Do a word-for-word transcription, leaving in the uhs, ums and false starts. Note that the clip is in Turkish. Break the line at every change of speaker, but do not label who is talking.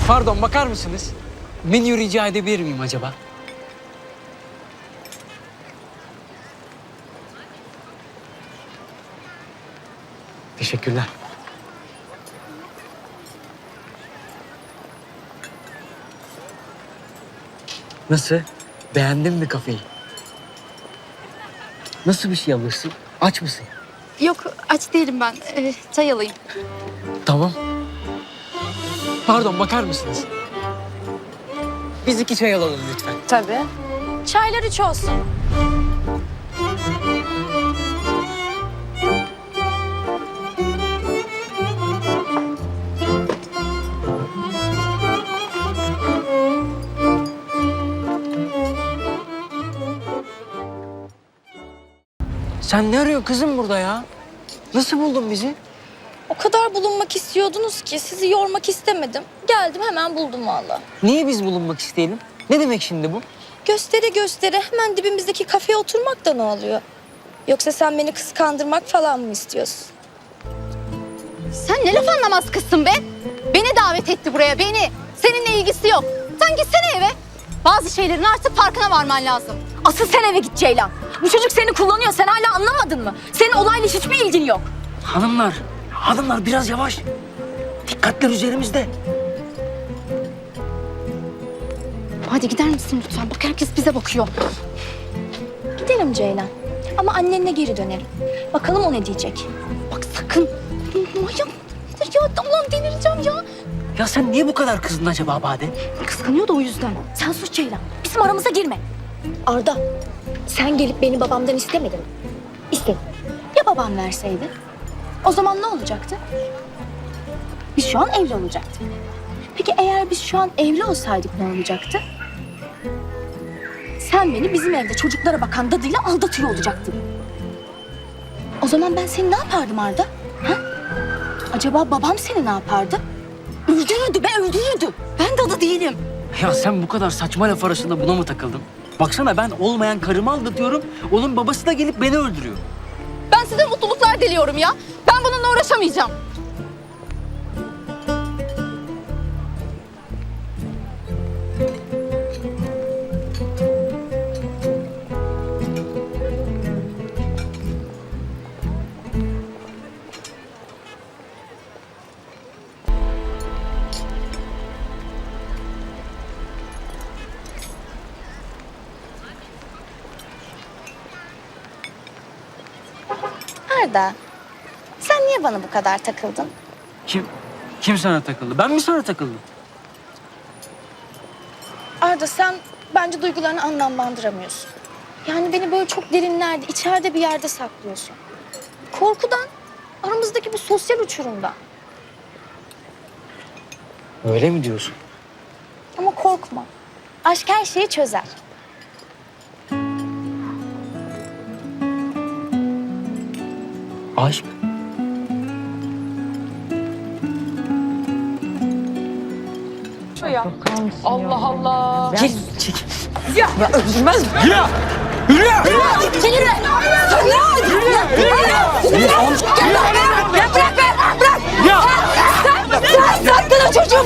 Pardon, bakar mısınız? Menü rica edebilir miyim acaba? Teşekkürler. Nasıl? Beğendin mi kafeyi? Nasıl bir şey alırsın? Aç mısın?
Yok, aç değilim ben. Ee, çay alayım.
Tamam. Pardon, bakar mısınız? Biz iki çay alalım lütfen.
Tabii. Çaylar üç olsun.
Sen ne arıyorsun kızım burada ya? Nasıl buldun bizi?
O kadar bulunmak istiyordunuz ki sizi yormak istemedim. Geldim hemen buldum vallahi.
Niye biz bulunmak isteyelim? Ne demek şimdi bu?
Göstere göstere hemen dibimizdeki kafeye oturmak da ne oluyor? Yoksa sen beni kıskandırmak falan mı istiyorsun?
Sen ne laf anlamaz kızsın be? Beni davet etti buraya, beni. Seninle ilgisi yok. Sen gitsene eve. Bazı şeylerin artık farkına varman lazım. Asıl sen eve git Ceylan. Bu çocuk seni kullanıyor, sen hala anlamadın mı? Senin olayla hiçbir ilgin yok.
Hanımlar, hanımlar biraz yavaş. Dikkatler üzerimizde.
Hadi gider misin lütfen? Bak herkes bize bakıyor.
Gidelim Ceylan. Ama annenle geri dönelim. Bakalım o ne diyecek?
Bak sakın. Manyak mıdır ya? Allah'ım delireceğim ya.
Ya sen niye bu kadar kızdın acaba Bade?
Kıskanıyor da o yüzden. Sen sus Ceylan. Bizim aramıza girme.
Arda, sen gelip beni babamdan istemedin mi? İstedim.
Ya babam verseydi? O zaman ne olacaktı? Biz şu an evli olacaktık. Peki eğer biz şu an evli olsaydık ne olacaktı? Sen beni bizim evde çocuklara bakan dadıyla aldatıyor olacaktın. O zaman ben seni ne yapardım Arda? Ha? Acaba babam seni ne yapardı? Öldürürdü be, öldürürdü. Ben dadı değilim.
Ya sen bu kadar saçma laf arasında buna mı takıldın? Baksana ben olmayan karımı aldatıyorum. Onun babası da gelip beni öldürüyor.
Ben size mutluluklar diliyorum ya. Ben bununla uğraşamayacağım.
Arda, sen niye bana bu kadar takıldın?
Kim? Kim sana takıldı? Ben mi sana takıldım?
Arda, sen bence duygularını anlamlandıramıyorsun. Yani beni böyle çok derinlerde, içeride bir yerde saklıyorsun. Korkudan, aramızdaki bu sosyal uçurumdan.
Öyle mi diyorsun?
Ama korkma. Aşk her şeyi çözer.
Aşk?
Ya. Allah Allah.
Gel, çek.
Ya.
Ya öldürmez mi? Yürü! Yürü! Yürü!
Çekil be!
Yürü! Yürü! Yürü! Yürü!